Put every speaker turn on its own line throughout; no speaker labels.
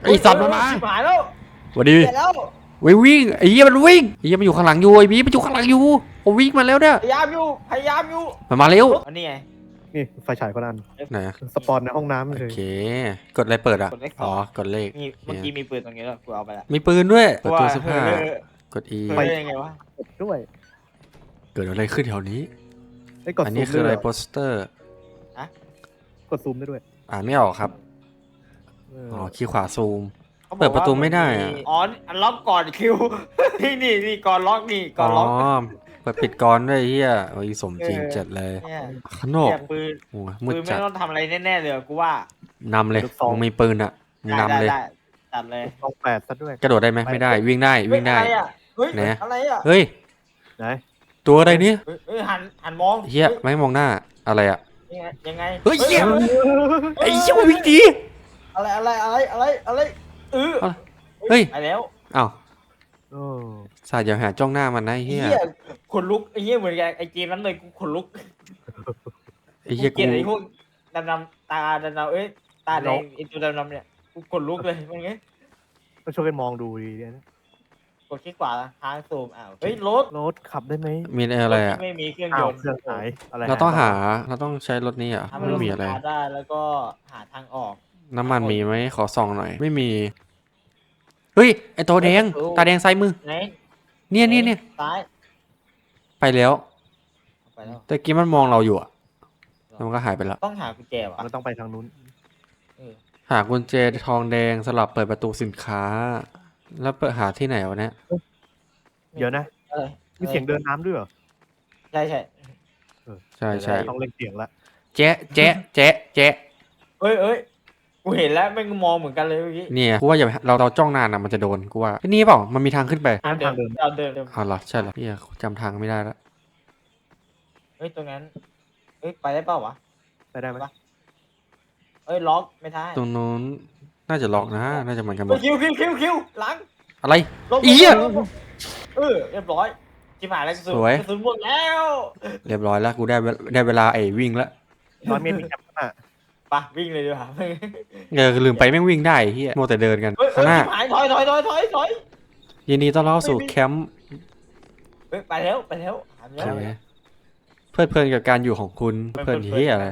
ไอ้สัตว์มันมา
ชิบหายแล้ว
สวัสดี
เสร็จแล้ว
วิ่งไอ้เหี้ยมันวิ่งไอ้เหี้ยมันอยู่ข้างหลังอยู่ไอ้บีมันอยู่ข้างหลังอยู่ผมวิ่งมาแล้วเนี่ย
พยายามอยู่
มันมาเร็ว
อันนี้ไง
นี่ไฟฉายก็นั่น
ไหนอะ
สปอนในห้องน้ำ
โอ
เลย
เคกดอะไรเปิดอ่ะ
กดเลขส
อ๋
อ
อง กดเลข
นี่เมื่อกี้มีปืนตรงนี้แล้วกูเอาไปละ
มีปืนด้วยเปิด
ว่า
ตู้เสื้อผ้า
เฮ้ย
กด E
เฮ้ยยังไงวะ
กดด้วย
เกิดอะไรขึ้นแถวนี้
ไอ้ยกด
อัน
ซู
นี้
ม
คือ
ด้
อะ
ว
ไร
ย
โปสเตอร์
กดซูมได้ด้วย
อ่านไม่ออกครับ อ๋อคีย์ขวาซูม
ขาบอก
เปิดประตูไม่ได้อะ
อ๋ออันล็อกก่อนคิว นี่ก่อนล็อกนี่ก่
อ๋
อน
อ
ล็อก
เปิดปิดก่อนด้วยไอ้เหี้ยโอ้ยสมจริง
เออ
จัดเลย
เนี่ย
ข้างนอก
เนี่ยปืน
โอ้ยมืด
ปืนไม่
จัด
ต้องทำอะไรแน่ๆเลยกูว่าน
ำเลยมึงมีปืนอ่ะมึงนำเลย
ได้ตัดเลย
ต้องแปดซะด้วย
กระโดดได้ไหมไม่ได้วิ่งได้วิ่งได้
เฮ้ย
ไหน
อะไรอ่ะ
เฮ้ย
ไหน
ตัวอะไรเนี่ย
เฮ้ยหันมอง
เฮียไม่มองหน้าอะไรอ่ะ
ยังไง
เฮ้ยเหี้ย ไอ้เหี้ยวิ่งดี
อะไร
เฮ้ย
ไปแล้ว
อ้าว
โอ้
สาดอย่าหาจ้องหน้ามันนะไอ้
เฮี
เฮีย
ยขนลุกไอ้เฮียเหมือนกันไอ้เกมนั้นเลยกูขนลุก
ไอ้เฮีย
เกลี
กู
ยดไอ้พวกดำๆตาดำๆตาแดงไอ้ตัวดำๆเนี่ยกูขนลุกเลยมันไง
ต้องช่วยกันมองดูดีนะ
กดคลิกขวาค้างซูมเฮ้ยรถ
รถขับได้ไหม
มีอะไรอ่ะ
ไม่มีเครื่อง
อ้าวย
นต์
เครื่องหายอะไร
เราต้องเราต้องใช้รถนี้อ่ะ
ทำให้
ไม่
รถ
มีอะไร
สตาร์ทได้แล้วก็หาทางออก
น้ำมันมีไหมขอส่องหน่อยไม่มีเฮ้ยไอ้ตัวแดงตาแดงซ้ายมือ
ไหน
เนี่ย
ซ้าย
ไปแล้ว
ไปแล้ว
แต่กี้มันมองเราอยู่อ่ะแล้วมันก็หายไปแล้ว
ต้องหากุญแจว่ะ
มันต้องไปทางนู้น
หากุญแจทองแดงสลับเปิดประตูสินค้า แล้วเปิดหาที่ไหนวะเนี่ย
เดี๋ยวนะ มีเสียงเดินน้ำด้วยเหรอ
ใช่
ใช่
ต้องเล่นเสียงละ
แจ๊ะแจ๊ะแจ๊ะแจ๊ะ
เอ้ยกูเห็นแล้วแม่งมองเหมือนกันเลยเมื่อกี้
เนี่ยกูว่าอย่าเราจ้องนานนะมันจะโดนกูว่านี่เปล่ามันมีทางขึ้นไป
ทางเดิน
เอาเดิน
อ๋อเหรอใช่เหรอพี่จำทางไม่ได้แล้ว
เฮ้ยตรงนั้นเฮ้ยไปได้เปล่าวะ
ไปได้ไหม
เอ้ยล็อกไม่ได้
ตรงนู้นน่าจะล็อกนะน่าจะเหมือนกันหม
เฮ้
ด
ยคิวหลัง
อะไร
ลง
อี๋อะ
เรียบร้อยชิบหายแล้วกระสุน
สวย
กระสุนหมดแล้ว
เรียบร้อยแล้วกูได้เวลาไอ้วิ่งแล้ว
100 เมตรมีแคปข้างหน้า
ไปวิ่งเลยดีกว่า
ลืมไปแม่งวิ่งได้เฮียโมวแต่เดินกัน
เฮ้ย
ข้างหน้า
ชิบหายถอย
ยินดีต้อนรับสู่แคมป์
เฮ้ยไปแล้วหา
โอ
แล้ว
เคเพลิดเพลินกับการอยู่ของคุณเพลินเฮียอะไร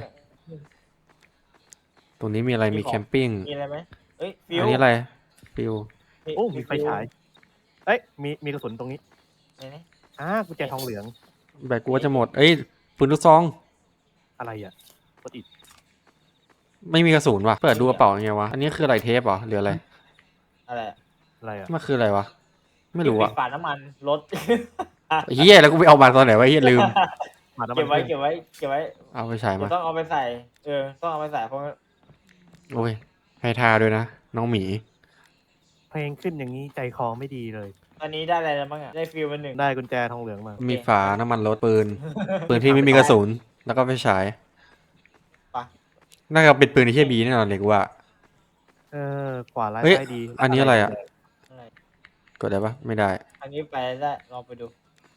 ตรงนี้มีอะไรมีแคมปิ้ง
มีอะไรไหมเฮ้ยฟิว
อันนี้อะไรฟิว
โอ้มีไฟฉายเอ้ยมีกระสุนตรงนี้
ไหน
กุญแจทองเหลือง
แบตกูว่าจะหมดเอ้ยปืนลูกซอง
อะไรอ่ะกดอีก
ไม่มีกระสุนว่ะเปิดดูกระเป๋ายังไงวะอันนี้คืออะไรเทปเหรอหรืออะไร
อะไร
อะไรอ่ะ
มันคืออะไรวะไม่รู้อะ
ฝาน้ำมันรถ
เฮียแล้วกูไปเอามาตอนไหนวะเฮียลืม
มาแล้ว
เก็บไว้
เอาไปฉายมา
ต้องเอาไปใส่ต้องเอาไปใส่เพราะ
โอ้ยให้ทาด้วยนะน้องหมี
เพลงขึ้นอย่างนี้ใจคอไม่ดีเลย
ตอนนี้ได้อะไรแล้วบ้างอ่ะได้ฟิวมันหนึ่ง
ได้กุญแจทองเหลืองมา
มีฝาน้ำมันรถปืน ปืนที่ไม่มีกระสุนแล้วก็ไฟฉาย
ไป
น่าจะเป็นปืนที่เฮียบีแน่นอนเลยกูว่า
ขวาไล่
เฮ้ย
ได้ดี
อันนี้อะไรอะ
อะไร
กดได้ปะไม่ได้
อันนี้ไปได้ลองไปดู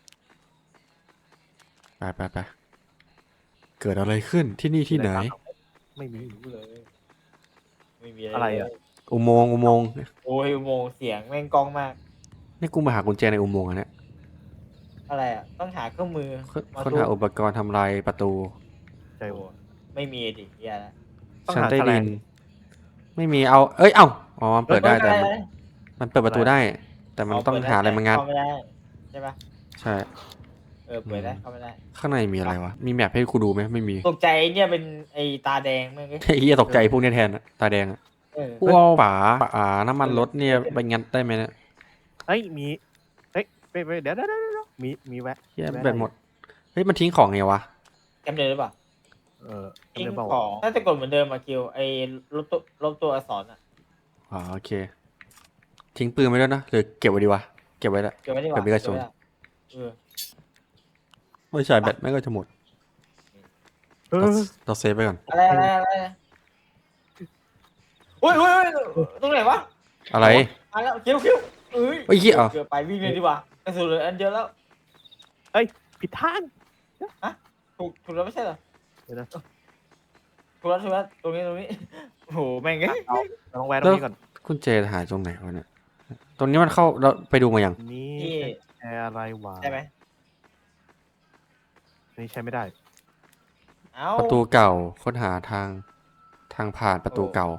ไปเกิดอะไรขึ้นที่นี่ที่ไหน
ไม่มี
ไม่มี
อะไรอะ
อุโมงค์
โอ้ยอุโมงค์เสียงแม่งกล้องมาก
นี่กูมาหากุญแจในอุโมงค์อันเนี้ย
อะไรอ่ะต้องหาเครื่องมือ
ค้นหาอุปกรณ์ทำลายประตู
ใจ
โอ้
หัว
ไม่มีดิเหี้ยละ
ต้อง
ชั้น
หา
ใต้
แฉล
ดิ
ง
น ไม่มีเอาเอ้ยเอ้าอ๋อมันเปิดได้แต่มันเปิดประตูได้ แต่มันต้องหาอะไรมางัด
เข้าไม่ได้ใช่ปะ
ใช่
เปิดได้เข้าไม่ได้
ข้างในมีอะไรวะมีแมพให้กูดูไหมไม่มี
ตกใจเนี่ยเป็นไอ้ตาแดงแม่ง
ไอ้เฮียตกใจพวกเนี้ยแทนอะตาแดงอะ กูเอาฝาน้ำมันรถเนี่ยไปงัดได้ไหมเนี่ย
เฮ้ยมีเฮ้ยเดี๋ยวมีแวะ
เฮียแบตหมดเฮ้ยมันทิ้งของไงวะ
จำเดิมหรือเปล่า
จำได้เปล่า
ของน่าจะกดเหมือนเดิมอะคิวไอ้ลบตัวอักษรอ่ะ
อ๋อโอเค ทิ้งปืนไว้ด้วยนะหรือเก็บไว้ดีวะเก็บไว้ละ
เก็บไว้ดีกว่า
เก็บไว้กับโจร
เออ
ไม่ใช่แบตไม่งก็จะหมด
เออ
เราเซฟไปก่อน
อะไรอุ้ยตรงไหนวะ
อะไร
มาแล้วคิวเอ้ย
เฮ้ยเหี้ย
เกือบไปวิ่งเลยดีกว่ากระสุนเหลืออันเดียวแล้ว
ผิดทาง
ถูกแล้วไม่ใช่เหรอ
เดี๋ยวนะ
ถูกแล้วตรงนี้โอ้โหแม่งเอ้ย
เราต้องแวะตรงนี้ก่อน
กุญแจหายตรงไหนวะเนี่ยตรงนี้มันเข้าเราไปดูมายัง
อันนี้
ที่
ใช้อะไรวะ
ได้ไหม
อันนี้ใช้ไม่ได้
เอ้า
ประตูเก่าค้นหาทางผ่านประตูเก่า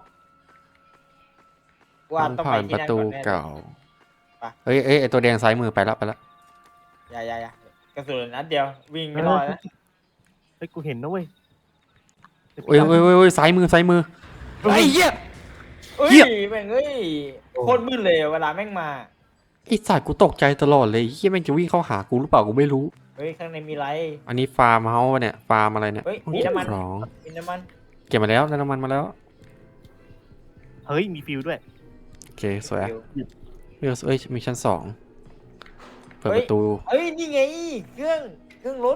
ว่า
ทาง
ต้อง
ผ่า
ไป
น
ที่
ประ
นั่น
ตู
ก่อนแน่เลย
เก่า
ไป
เอ้ยไอตัวแดงซ้ายมือไปแล้ว
อย่ากระสุนนัดเดียววิ่งไม่รอดนะ
เฮ้ยกูเห็นนะเว้ย
เอ้ยซ้ายมือไอ้เหี้ย
เอ้ย
เหี้ย
แม่งเอ้ยโคตรมืดเลยเวลาแม่งมา
ไอ้สัตว์กูตกใจตลอดเลยเหี้ยแม่งจะวิ่งเข้าหากูหรือเปล่ากูไม่รู้
เฮ้ยข้างในมีไร
อันนี้ฟาร์มเฮาส์ปะเนี่ยฟาร์มอะไรเนี่ย
เฮ้ยมีน้ำมัน
ของ
มีน้ำมัน
เก็บมาแล้วได้น้ำมันมาแล้ว
เฮ้ยมีฟิวด้วย
โอเคสวย
เดี๋ยว
เอ้ยมีชั้น2เปิด
เฮ้
ป
ย
ระตู
เอ้ยนี่ไงเครื่องรถ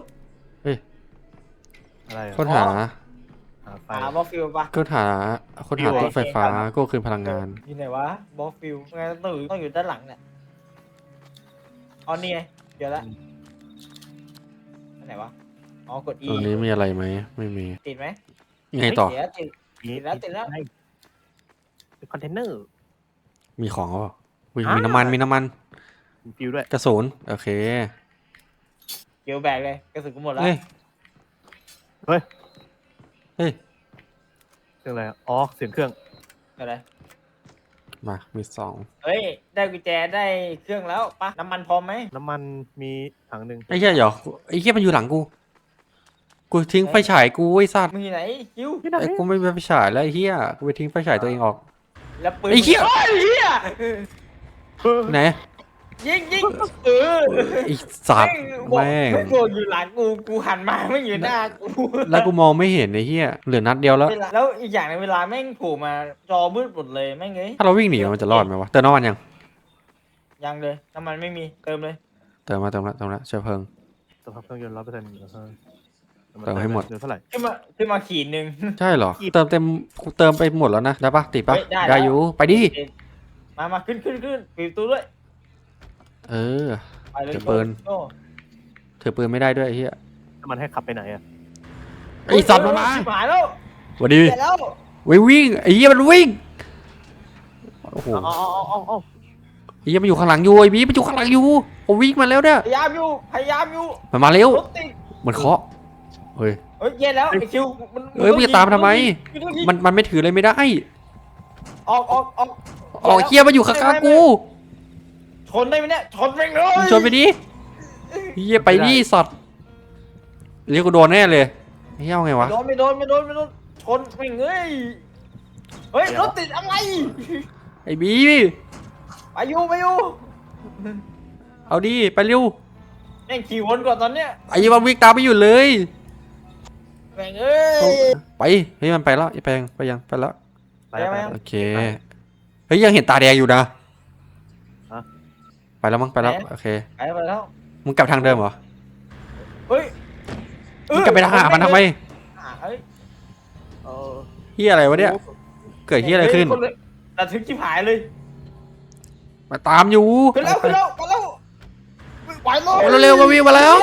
อะไรอะ
ค้นหา
หาไฟ
หาบอสฟิลปะ
ค้นหาตู้ไฟฟ้าก็คืนพลังงาน
อยู่ไหนวะบอสฟิลไงต้องอยู่ด้านหลังเนี่ยอ๋อนี่ไงเดี๋ยวละอันไหนวะอ๋อกด E
ตรงนี้มีอะไรไหมไม่มี
ติดไหม
ยังไงต่อ
เดี๋ยวติด ติดแล้ว
เป็นคอนเทนเนอร์
มีของเปล่าอุ๊ย
อ่ามี
มีน้ำมัน
มีฟิวด้วย
กระสุนโอเค
เกี่ยวแบกเลยกระสุนกูหมดแล้ว
เฮ้ย
เฮ้ย
เฮ้ย
เสียงอะไรอะอ๋อเสียงเครื่อง
อะไร
มามี2
เฮ้ยได้กุญแจได้เครื่องแล้วปะน้ำมันพร้อมไหม
น้ำมันมีถังหนึ่ง
ไอ้เหี้ยเดี๋ยวไอ้เหี้ยมันอยู่หลังกูทิ้งไฟฉายกูไอ้สัตว์
มึงอยู่ไหนคิว
ที่ไหน
ไอ้กูไม่มีไฟฉายแล้วไอ้เหี้ยกูไปทิ้งไฟฉายตัวเองออก
แล้วปืน
ไอ้เหี้ย
ไอ้เหี้ย
เฮ้ย
ไหน
ยิงเออ
ไอ้สัตว์แม่ง
ไม่โกอยู่หลังกูหันมาไม่อยู่หน้ากู
แล้วกูมองไม่เห็นไอ้เหี้ยเหลือนัดเดียวแล้ว
แล้วอีกอย่างในงเวลาแม่งโผล่มาจอมืดหมดเลยแม่งเอ้ย
ถ้าเราวิ่งหนีมันจะรอดไหมวะเติมน้ำมันยัง
ยังเลยน้ำมันไม่มีเติมเลย
เติมละเชื้อเพลิง
สภาพเครื่องยนต์100%
เติมให้หมด
เดี๋ยวเท่าไหร่
ขึ้นมาขีดหนึ่ง
ใช่เหรอเติมเต็มกูเติมไปหมดแล้วนะได้ปะติดปะ
เฮ้ยได้
ได้
แล้ว
อยู่ไปดิ
มาขึ้นปิดประตูด้วย
เออ
ไปเลย
จะเปิด
โอ้
ถือปืนไม่ได้ด้วยไอ้เหี้ย
น้ำมันให้ขับไปไหนอะ
ไอ้สัตว์มันมา
ชิบหายแล้ว
สวัสดี
เสร็จแล้ว
วิ่งไอ้เหี้ยมันวิ่งโอ้โห
เอา
ไอ้เหี้ยมันอยู่ข้างหลังอยู่ไอ้บีมันอยู่ข้างหลังอยู่ผมวิ่งมาแล้วเนี่ย
พยายามอยู่
มันมาเร็ว
รถติด
มันเคาะเฮ้ย
เฮ้ยเย็นแล้วไอคิว
เอ้ยมึงจะตามมันทำไม มันไม่ถือเลยไม่ได้
ออก
อ๋อเหี้ยมันอยู่ข้างๆกู
ชนได้ไหมเนี่ยชนแม่งเลย
มึงชนไปดิเหี้ยไปดิสัตว์เรียกกูโดนแน่เลยเหี้ยเอาไงวะ
ไม่โดนชนแม่งเอ้ยเฮ้ยรถติดอะไร
ไอ้บี
ไปอยู่
เอาดิไปเร็ว
แม่งขี่วนก่อนตอนเนี้ย
ไอ้มันวิ่งตามไม่หยุดเลย
แม่งเอ้ย
ไปเฮ้ยมันไปแล้วไอ้แปลงไปยังไปแล้ว
ไปแล้ว
ไป
ไป
แล้ว
แล้ว
โอเคเฮ้ยยังเห็นตาแดงอยู่นะ
ฮะ
ไปแล้วมั้งไปแล้วโอเค
ไปแล้ว
มึงกลับทางเดิมเหรอ
เฮ้ย
มึงกลับไปหามันทำไม
เฮ้ย
เออ
เฮียอะไรวะเนี่ยเกิดเฮียอะไรขึ้น
ระทึกชิบหายเลย
มาตามอยู่
ขึ้นแล้วไปแล้วไหวแล้
โอ้เร็วๆมาวิ่งมาแล้ว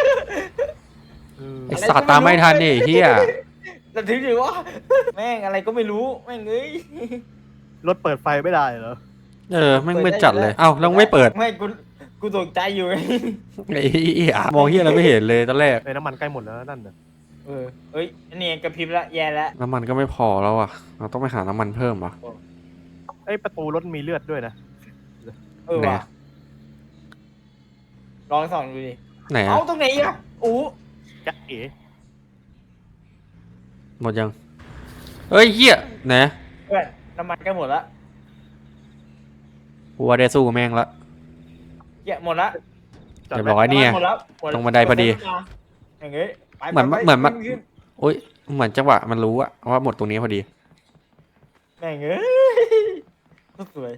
ไอสัตว์ตามไม่ทันดิเฮีย
ระทึกดิวะแม่งอะไรก็ไม่รู้แม่งเอ้ย
รถเปิดไฟไม่ได้เหรอ
แม่งไม่จัดเลยเอ้าแล้วไม่เปิด
ไม่กูตกใจอยู่ไง
ไอ้เหี้ยมองเฮียอะไรไม่เห็นเลยตอนแรก
ไอ้น้ำมันใกล้หมดแล้วนั่นน่ะ
เอ้ยอันนี้กระพริบละแย่ละ
น้ำมันก็ไม่พอแล้วอ่ะเราต้องไปหาน้ำมันเพิ่มอ่ะ
ไอ้ประตูรถมีเลือดด้วยนะ
ไหน
ว่ะลองส่องดูดิ
ไหน
เอา
อะ
ตรงไหนอ่ะอู้
จ๊ะเอ๋
หมดยังเฮ้ยเฮียไหน
เพื่อนน้ำมันใกล้หมดละ
กูว่าได้สู้แม่งละ
เหี้ยหมดละ
จอด
เรียบ
ไว้
ร้อยเนี่ย
หมดแล้วหม
ตรงบันไดพอดี
อย่างเงี้ยไป
เหมือน
ไป
เหมือนมัน
ขึ้
โอ้ยเหมือนจังหวะมันรู้อะว่าหมดตรงนี้พอดี
แม่งเอ้ยโคตรสวย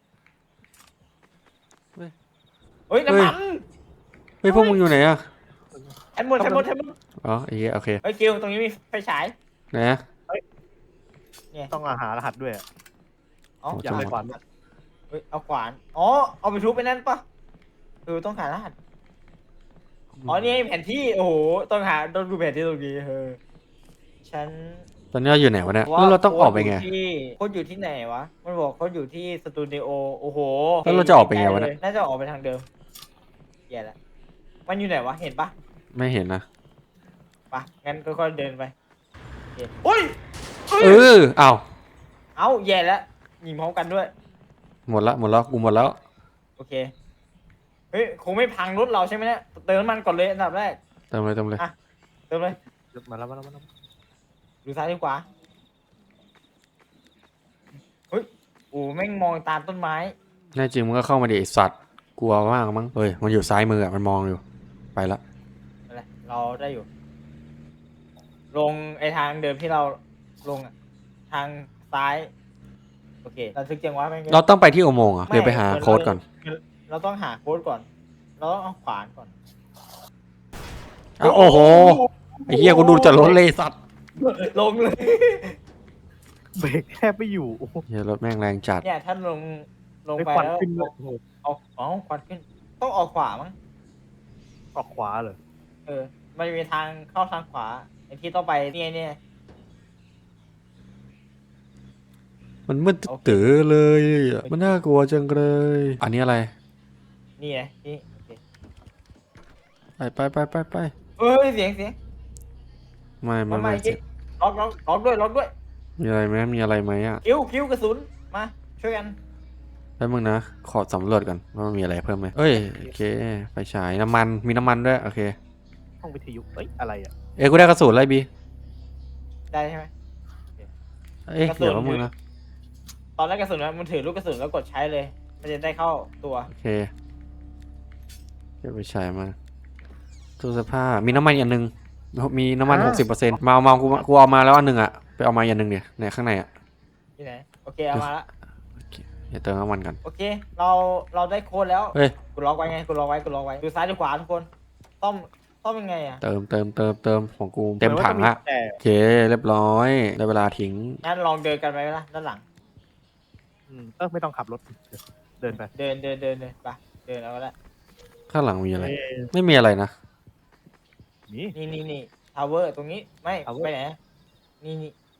เฮ้ย
เฮ้ยน้ำมัน
เฮ้ยพวกมึงอยู่ไหนอะ
แทนหมด
อ๋อไอ้เหี้ยโอเค
เฮ้ยกิวตรงนี้มีไฟฉาย
ไหนอะ
ต้องอาหารรหัสด้วยอะ
อ๋อ
โอ้
อยาก
จัง
ไป
หวะ
ขวานด้วย
เฮ้ยเอาขวานอ๋อเอาไปทุบไปนั่นปะต้องหารหัสอ๋อนี่แผนที่โอ้โหต้องดูแผนที่ตรงนี้ฉัน
ตอนนี้เราอยู่ไหนวะเนี่ยแล้วเราต้องออกไปไง
โค้ดอยู่ที่ไหนวะมันบอกโค้ดอยู่ที่สตูดิโอโอ้โห
แล้วเราจะออกไปไงวะเนี่ย
น่าจะออกไปทางเดิมแย่แล้วมันอยู่ไหนวะเห็นปะ
ไม่เห็นนะ
ปะงั้นค่อยๆเดินไปโอเคโอ้ย
เอออ้าว
เอ้าแย่แล้วยิงพร้อมกันด้วย
หมดละหมดแล้วกูหมดแล้ว
โอเคเฮ้ยคงไม่พังรถเราใช่ไหมเนี่ยเติมน้ำมันก่อนเลยอันดับแรก
เติมเลยเติมเลย
อ่ะ เติมเลย
มาแล้วมาแล้วมาแล้ว
ดูซ้ายดีกว่าเฮ้ยโอ้แม่งมองตามต้นไม้
แน่จริงมึงก็เข้ามาดิไอ้สัตว์กลัวมากมั้งเฮ้ยมันอยู่ซ้ายมืออ่ะมันมองอยู่ไปละ
อะไรเราได้อยู่ ลงไอทางเดิมที่เราลงอ่ะทางซ้ายโอเคเราทึกจังวะแม่ง
เราต้องไปที่อุโมงค์เหรอ่ะ
ไม่
เดี๋ยวไปหาโค้ดก่อน
เราต้องหาโค้ดก่อน เราต้องเอาขวานก่อน
อ้าวโอ้โหไอ้เหี้ยกูดูจะรถเลยสัตว์
ลงเลย
เบรกแทบไม่อยู่โอ้โห
เหี้ยรถแม่งแรงจัด
เนี่ยถ้าลง
ไม่
ไป
ควัน
แล้ว
ขึ้นเลยโอ้โห
เอาควันขึ้น ต้องออกขวามั้ง
ออกขวาเลย
เออ มันมีทางเข้าทางขวาไอที่ต้องไปเนี่ย
มันมืดตื้อเลยอะมันน่ากลัวจังเลย อันนี้อะไร
นี่ไงนี่โอเค
ไป
เอ้ยเสียง
ไม่
มา
ไม่
จริงล็อกด้วย
มีอะไรไหมมีอะไรไหมอ่ะ
คิ้วกระสุนมาช่วยกัน
แป๊บมึงนะขอสำรวจก่อนว่ามันมีอะไรเพิ่มไหมเอ้ยโอเคไฟฉายน้ำมันมีน้ำมันด้วยโอเค
ห้องวิทยุเอ้ยอะไรอ่ะ
เอ้ยกูได้กระสุนอะไรบี
ได้ใช่ไหม
เอ้ย
กระสุน
เดี๋ยวแป๊บมึงนะ
ตอนแรกกระสุนนะมันถือลูกกระสุนแล้วกดใช้เลย มันจะได้เข้าตัว
โอเคเก็บไฟฉายมาตู้เสื้อผ้ามีน้ำมันอีกอันหนึงมีน้ำมัน 60%มากูเอามาแล้วอันหนึ่งอ่ะไปเอามาอีกอันหนึ่งเนี่ยในข้างในอ่ะ
ที่ไหน โอเคเอามาละ
เดี๋ยวเติมน้ำมันกัน
โอเค เราได้โค้ดแล้ว
เฮ้ย
กูล็อกไว้ไงกูล็อกไว้ดูซ้ายดูขวาทุกคนต้อมยังไงอ่ะ
เติมของกูเต็มถังละ
แต่
โอเคเรียบร้อยได้เวลาทิ้ง
งั้นลองเดินกันไปไหมล่ะด้านหลัง
ไม่ต้องขับรถเดินไป
เดินไปเดินเอาก็ได้
ข้างหลังมีอะไร
เอ้ย
ไม่มีอะไรนะ
นี่
นี่ทาวเวอร์ตรงนี้ไม่
Tower
ไปไหนนี่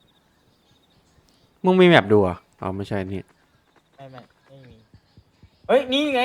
มึงมีแมปดูอ่ะอ๋อไม่ใช่นี่
ไม่มีเฮ้ยนี่ไง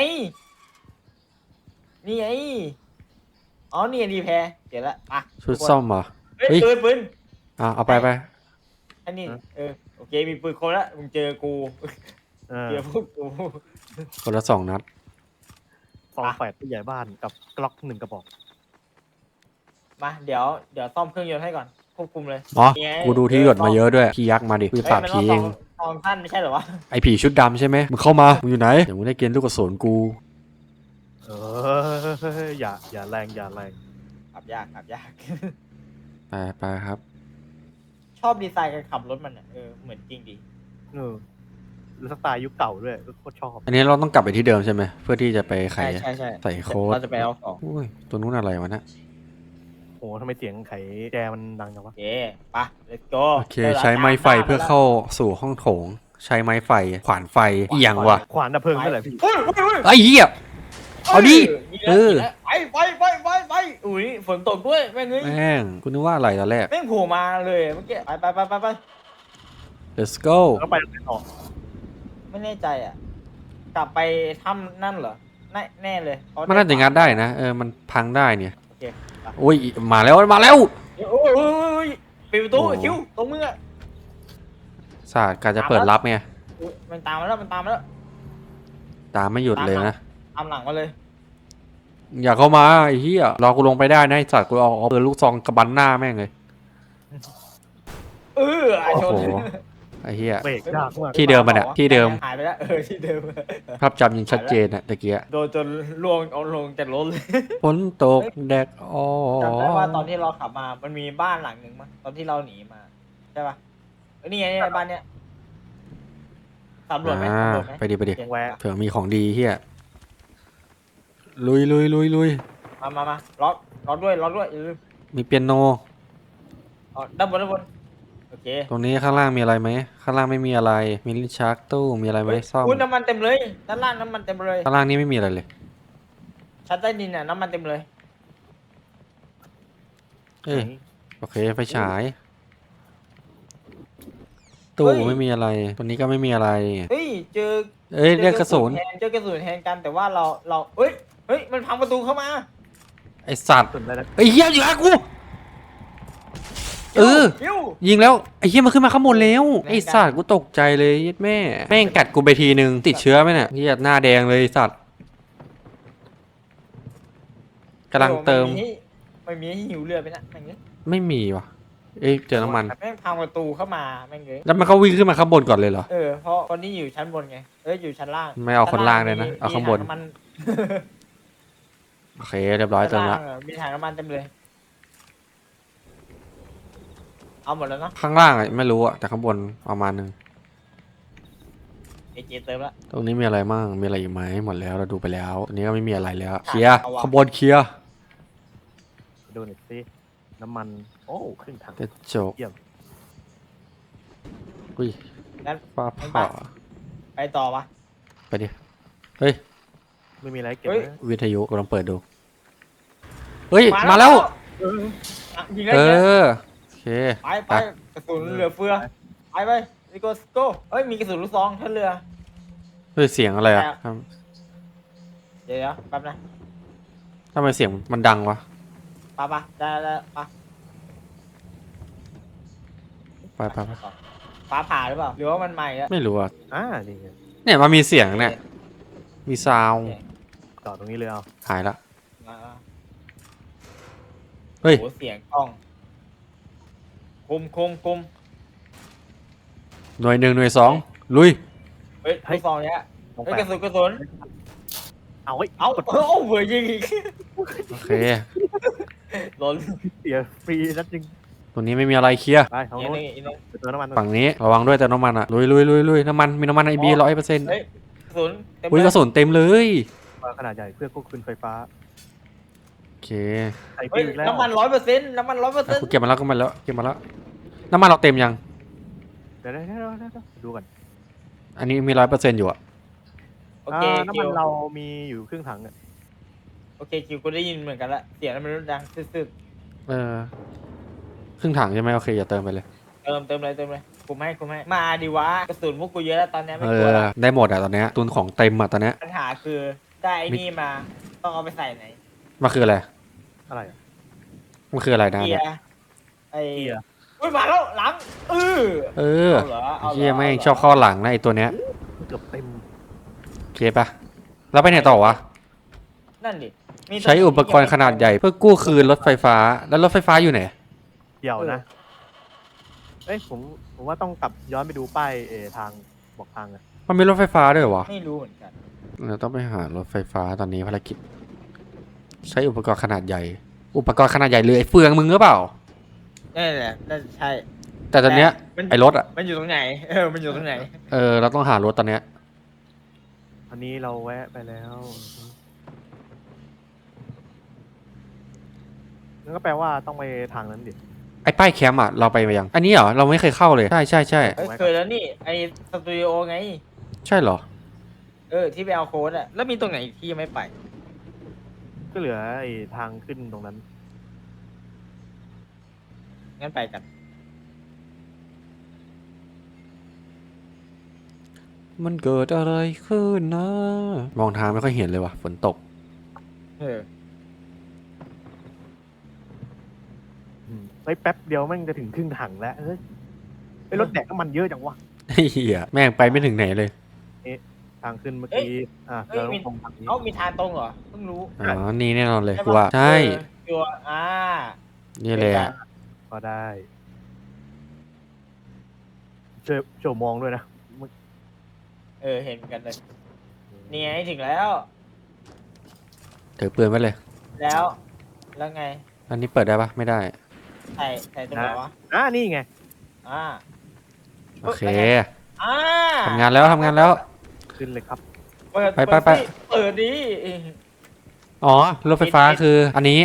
อ๋อนี่ดีแพรเดี๋ยวละอ่ะ
ชุดซ่อมเหรอ
เฮ้ย
เฮ้ย
ปืน
เอาไป
อันนี้โอเคมีปืนคนละมึงเจอกู
เออ
เจอพวกกู
คนละ2 นัด
ซองแฝดผู้ใหญ่บ้านกับกล็อก1 กระบอก
มาเดี๋ยวซ่อมเครื่องยนต์ให้ก่อนควบคุมเลย
อ๋อ
นี่ไง
กูดูที่หยดมาเยอะด้วยพี่ยักษ์มาดิพี่ปราบ
มัน
ผี
ต้
เอ
อง
ง
สองท่านไม่ใช่เหรอวะ
ไอผีชุดดำใช่ไหมมึงเข้ามามึงอยู่ไหนเดี๋ยวมึงได้เกณฑ์ลูกกระสุนกู
เอออย่าแรง
ขับยาก
ไปครับ
ชอบดีไซน์การขับรถมันอ่ะเหมือนจริงดี
เออแล้วสไตล์ยุคเก่าด้วยโคตรชอบ
อันนี้เราต้องกลับไปที่เดิมใช่ไหมเพื่อที่จะไปไข
ใช่
ใส่โค้ด
เราจะไปเอาของ
อุ้ยตัวนู้นอะไรวะเนะ
โอ้ทำไมเสียงไขแจมันดังจังวะ
โอเคไป let's go
โอเคใช้ไม้ไฟเพื่อเข้าสู่ห้องโถง ใช้ไม้ไฟขวานไฟอีหยังวะ
ขวานดับเพลิงนั่นแหละพี่
เฮ้ย
ไอ้เหี้ย เอาดิเออ
ไปอุ้ยฝนตกด้วยแม่งเอ้ย
แม่งกูนึกว่าอะไรตอนแรก
แม่งโผล่มาเลยเมื่อกี้ไป
let's go
แล้วไปทางไหนต่อ
ไม่แน่ใจอ่ะ กลับไปถ้ำนั่นเหรอแน่เลยเพระ
มันน่าจะงัดได้นะมันพังได้เนี่ย
โอเค
โอ้ยมาแล้ว
โอ้ยปิดประตู
โอ้
คิวตรงมืออะ
ศาสตร์การจะเปิดรับไง
อุ๊ยมันตามมาแล้ว
ตามไม่หยุดเลยนะ
ตามหลังมาเลย
อย่าเข้ามาไอ้เหี้ยรอกูลงไปได้นะไอ้สัตว์กูเอาปืนลูกซองกระบันหน้าแม่งเลย
ไอชน
โอ้โห ไอ้เหี้ย
เบรกยากมาก
ที่เดิมมันอะที่เดิม
หายไปแล้วที่เดิม
ภาพจำยังชัดเจนอะตะเกีย
โดนจนล่วงเอาลงจากรถเลย
ฝนตกแดดอ๋อ
จำได้ว่าตอนที่เราขับมา มันมีบ้านหลังหนึ่งมั้งตอนที่เราหนีมาใช่ปะนี่ไงนี่ไงบ้านเนี้ยสำรวจไหม
อ่า
สำรวจไหม
ไปดิ
แวะ
เผื่อมีของดีเหี้ยลุย
มาล็อกด้วยอย่าลืม
มีเปียโน
อ๋อด้านบนโอเค
ตรงนี้ข้างล่างมีอะไรไหมข้างล่างไม่มีอะไรมีลิ้นชักตู้มีอะไรไหมซ่อม
อุ้ยน้ำมันเต็มเลยด้านล่างน้ำมันเต็มเลย
ข้างล่างนี่ไม่มีอะไรเลย
ชั้นใต้ดินน่ะน้ำมันเต็มเลย
เอ้ยโอเคไฟฉายตู้ไม่มีอะไรตัวนี้ก็ไม่มีอะไร
เฮ้ยเจอ
เอ้ยเรียกกระสุน
เจอกระสุนแทนกันแต่ว่าเราเฮ้ยมันพังประตูเข้ามา
ไอสัตว์
สุดได้แล้ว
ไอ้เหี้ยอยู่หากูเออ
ยิ้ว
ยิงแล้วไอ้เหี้ยมันขึ้นมาข้างบนแล้ว
แรง
ไอ้สัตว์กูตกใจเลยยัดแม่แม่งกัดกูไปทีนึงติดเชื้อไหมเนี่ยเหี้ยหน้าแดงเลยไอ้สัตว์กำลังเติม
ไม่มีให้หิวเลือดไปนะอย่างงี้
ไม่มีว่ะเอ้ยเจอน้ำมัน
แม่งพังประตูเข้ามาแม่งเลย
แล้วมันก็วิ่งขึ้นมาข้างบนก่อนเลยเหรอ
เพราะคนนี้อยู่ชั้นบนไงอยู่ชั้นล่าง
ไม่เอาคนล่างเลยนะ
มี
เอาข้างบน
ถัำมัน
โอเคเรียบร้อยเติมละ
ชั้นางมีถังน้ำมันเต็มเลย เอาหมดแล้วเนาะ
ข้างล่างอะไม่รู้อะแต่ข้างบนประมาณนึง
เอเจเติมละ
ตรงนี้มีอะไรมั่งมีอะไรอีกไหมหมดแล้วเราดูไปแล้วตรงนี้ก็ไม่มีอะไรแล้ว
ค่ะ
เคลียร์
เอาวะ
ข้างบนเคลียร์
ดูหน่อยสิน้ำมันโอ้ครึ่งถัง
กระจก
เยี่ยม
อุ้ย
งั้น
ฟ้า
งั้น
ผ่า
ไปต่อปะ
ไปดิเฮ้ย
ไม่มีอะไรเก็บ
เฮ้ย
นะ
วิทยุกำลังเปิดดูเฮ้ยมาแล้ว
เอออ่ะยิงแล้ว
เอ
ยิงแล้ว
อโอเค
ไปกระสุนเหลือเฟือไปลิโกสโกเอ้ยมีกระสุนลูกซองท่าเรือ
เฮ้ยเสียงอะไรอะ
แล้ว เดี๋ยวแป๊บนะ
ทำไมเสียงมันดังวะ
ปะได้ปะ
ไป
ฟ้าผ่าหรือเปล่าหรือว่ามันใหม่อะ
ไม่รู้อะ
นี่ไง
เนี่ยมันมีเสียงเนี่ยมีซาวด์
ต่อตรงนี้เลยเอา
หายละ
มา
เฮ้ย
โหเสียงกล้องคุม
หน่วยหนึ่งหน่วยสองลุย
เฮ้ยลูกซองเนี้ย
ลง
เฮ้ย
ไป
กระสุน
เอาไว้
เอาเบื่อยิงอีก
โอเค
หล่น
เสียฟรีนัดจริง
ตรงนี้ไม่มีอะไรเคลียร์
ไปทาง
อีก
โน้น
นึงอีกนึง
ไปเติมน้ำมัน
ฝั่งนี้ระวังด้วยแต่น้ำมันอะลุยน้ำมันมีน้ำมันไอบี100%
เฮ้ยกระสุนเต็ม
อุ้ยกระสุนเต็มเลย
ขนาดใหญ่เพื่อควบคุมไฟฟ้า
โอเค
ใส่
เฮ้ย
ฟิวอีกแล้ว
น้ำมัน100%น้ำมัน
อ่ะ
100%
กูเก็บมาแล้วน้ำมันเราเต็มยัง
เดี๋ยวดูก่อน
อันนี้มี100%อยู่อะ
โอเค
น้ำ
คิ
มัน
ว
เรามีอยู่ครึ่งถังอ่ะ
โอเคคิวกูได้ยินเหมือนกันละเสียงมันดังซึด
ครึ่งถังใช่ไหมโอเคอย่าเติมไปเลย
ๆเติมเลยคุมให้มาดิวะกระสุนพวกกูเยอะแล้วตอนนี้ไม่
เอก
ลัว
อ
ละ
ได้หมดอะตอนเนี้ยตุนของเต็มอะตอนเนี้ย
ปัญหาคือได้ไอ้นี่มาต้องเอาไปใส่ไหน
มันคืออะไร
อะไรอ่ะ
มันคืออะไรนะ
เกีย
เนี่ย
ร์ไอ้
เกียร์
อุ้ยมาแล้วหลัง
เออ
เอาเหรอเอาเหรอ
เฮียแม่งชอบเข้อหลังนะไอตัวเนี้ย
เกือบเต็ม
โอเคปะแล้วไปไหนต่อวะ
นั่นดิมี
ใช้อุปกรณ์ขนาดใหญ่เพื่อกู้คืนรถไฟฟ้าแล้วรถไฟฟ้าอยู่ไหน
เดี่ยวนะเอ้ยผมว่าต้องกลับย้อนไปดูป้ายทางบอกทางอ่ะ
มันมีรถไฟฟ้าด้วยเหรอวะ
ไม่รู้เหมือนกัน
เราต้องไปหารถไฟฟ้าตอนนี้ภารกิจ ใช้อุปกรณ์ขนาดใหญ่ อุปกรณ์ขนาดใหญ่เลยไอ้เฟืองมึงหรือเปล่า
นั่นแหละน่าจะใช่
แต่ตอนเนี้ย
มัน
ไอ้รถอะ
มันอยู่ตรงไหนมันอยู่ตรงไหน
เราต้องหารถตอนเนี้ย
อันนี้เราแวะไปแล้วนั่นก็แปลว่าต้องไปทางนั้นดิ
ไอ้ป้ายแคมป์อะเราไปมายัง อันนี้เหรอเราไม่เคยเข้าเลยใช่
เคยแล้วนี่ไอ้สตูดิโอไง
ใช่เหรอ
ที่ไปเอาโค้ดอะแล้วมีตรงไหนอีกที่ยังไม่ไป
ก็เหลือไอ้ทางขึ้นตรงนั้น
งั้นไปกัน
มันเกิดอะไรขึ้นนะ มองทางไม่ค่อยเห็นเลยว่ะฝนตก
ไปแป๊บเดียวแม่งจะถึงครึ่งถังแล้วไอ้รถแดกน้ำมันเยอะจังวะ
เฮียแม่งไปไม่ถึงไหนเลย
ทางขึ้นเมื่อกี้เราต้องตรงทางนี้
มีทางตรงเหรอเพิ่งรู้
อ๋อ นี่แน่นอนเลย
ใช่
กู
ปะ
ว่าใช่
ตัว
นี่เลยอะ
ก็ได้ช่วยมองด้วยนะ
เห็นเหมือนกันเลยนี่ไงถึงแล้ว
ถือปืนไว้เลย
แล้วไง
อันนี้เปิดได้ปะไม่ได้
ใส่ตรงไหนวะ
นี่ไง
อ่า
โอเค
อ่า
ทำงานแล้ว
ขึ้นเลยครับ
เปิด
ไป
เปิดดิ
อ๋อ รถไฟฟ้าคืออันนี้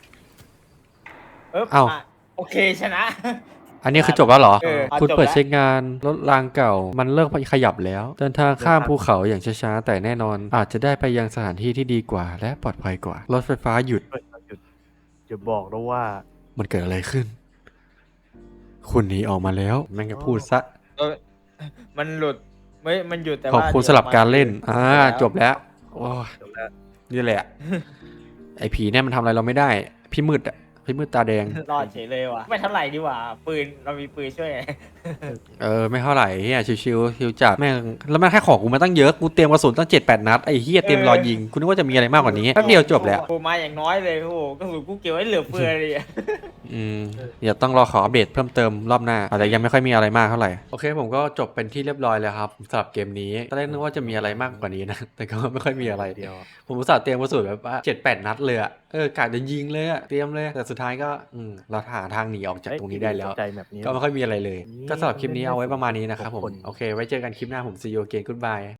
เอ้า
โอเคชนะ
อันนี้คือจบแล้วเหรอ คุณ
จบ
เปิด
แล้ว
ใช้งานรถรางเก่า มันเริ่มขยับแล้ว เดินทางข้ามภูเขาอย่างช้าๆ แต่แน่นอน อาจจะได้ไปยังสถานที่ที่ดีกว่า และปลอดภัยกว่า รถไฟฟ้าหยุด
หยุดจะบอกแล้วว่า
มันเกิดอะไรขึ้น คุณหนีออกมาแล้ว แม่งจะพูดซะ
โดมันหลุดไม่มันหยุดแต่
ขอบ
ว่า
คุณ
ดี๋ยว
สำหรับการเล่น
แล้ว
จบแล้วโอ้ย
จบแล้ว
นี่แหละ ไอ้ผีเนี่ยมันทำอะไรเราไม่ได้ พี่มืดอ่ะ พี่มืดตาแดง
รอดเฉยเลยว่ะไม่เท่าไหร่ดีกว่าปืนเรามีปืนช่วย
ไม่เท่าไหร่เฮียชิวๆชิวจัดแม่งแล้วแม่งแค่ของกูมาตั้งเยอะ กูเตรียมกระสุนตั้ง7-8 นัด ไอ้เฮียเตรียมรอยิง กูนึกว่าจะมีอะไรมากกว่านี้ แป๊บเดียวจบแล้ว
กูมาอย่างน้อยเลยโอ้โหกระสุนกูเก็บไว้เหลือเฟือเลยอะ
เดี๋ยวต้องรอขออัปเดตเพิ่มเติมรอบหน้าอาจจะยังไม่ค่อยมีอะไรมากเท่าไหร่ โอเคผมก็จบเป็นที่เรียบร้อยแล้วครับสำหรับเกมนี้ตอนแรกนึกว่าจะมีอะไรมากกว่านี้นะ แต่ก็ไม่ค่อยมีอะไร
เดียว
ผมอุตส่าห์เตรียมกระสุนแบบว่า7-8 นัดเลยอะกะจะยิงเลยอะเตรียมเลยแต่สุดท้ายก็เราหาทางหนีออกจากตรงนี้ได้แล้ว
ใจแบบนี้
ก็ไม่ค่อยมีอะไรเลย
นี่
ก็สำหรับคลิปนี้เอาไว้ประมาณนี้นะครับผม
คน
โอเค ไว้เจอกันคลิปหน้าผม see you again goodbye